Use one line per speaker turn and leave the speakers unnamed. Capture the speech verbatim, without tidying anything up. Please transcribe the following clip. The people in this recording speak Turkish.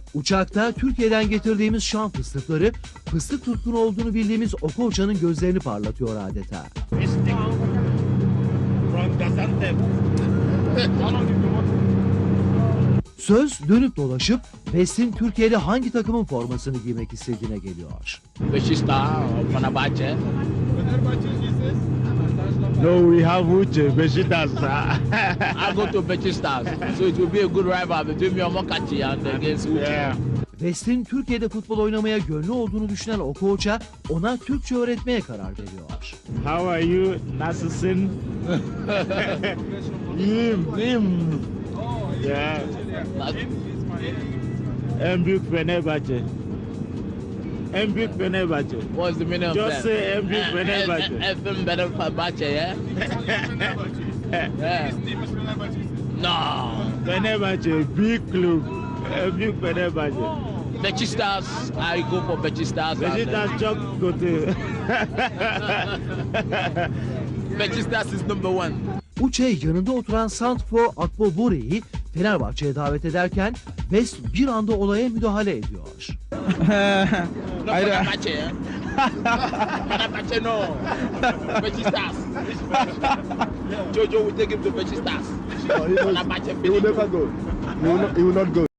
Uçakta Türkiye'den getirdiğimiz şan fıstıkları, fıstık tutkunu olduğunu bildiğimiz Okocha'nın gözlerini parlatıyor adeta. Söz dönüp dolaşıp West'in Türkiye'de hangi takımın formasını giymek istediğine geliyor.
Beşiktaş, Fenerbahçe.
No, we have Uche, Beşiktaş.
I go to Beşiktaş, so it will be a good rival between me and Mokachi and against Uche.
Yeah.
West'in Türkiye'de futbol oynamaya gönlü olduğunu düşünen Okocha ona Türkçe öğretmeye karar veriyor.
How are you? Nasılsın? İyiyim, iyiyim. Yeah. En büyük Fenerbahçe. En büyük Fenerbahçe.
What's the meaning of
Just
that?
say en büyük Fenerbahçe.
Efendim benim Fenerbahçe, yeah? Yeah. No.
Fenerbahçe, big club. En büyük Fenerbahçe.
Beşiktaş, I go for Beşiktaş.
Beşiktaş çok kötü.
Beşiktaş is number one.
Uche yanında oturan Santfo Akbobore'yi Fenerbahçe'ye davet ederken West bir anda olaya müdahale ediyor.
No Fenerbahçe, yeah? Fenerbahçe no. Beşiktaş. Jojo will take him to Beşiktaş.
He will never go. He will not, he will not go.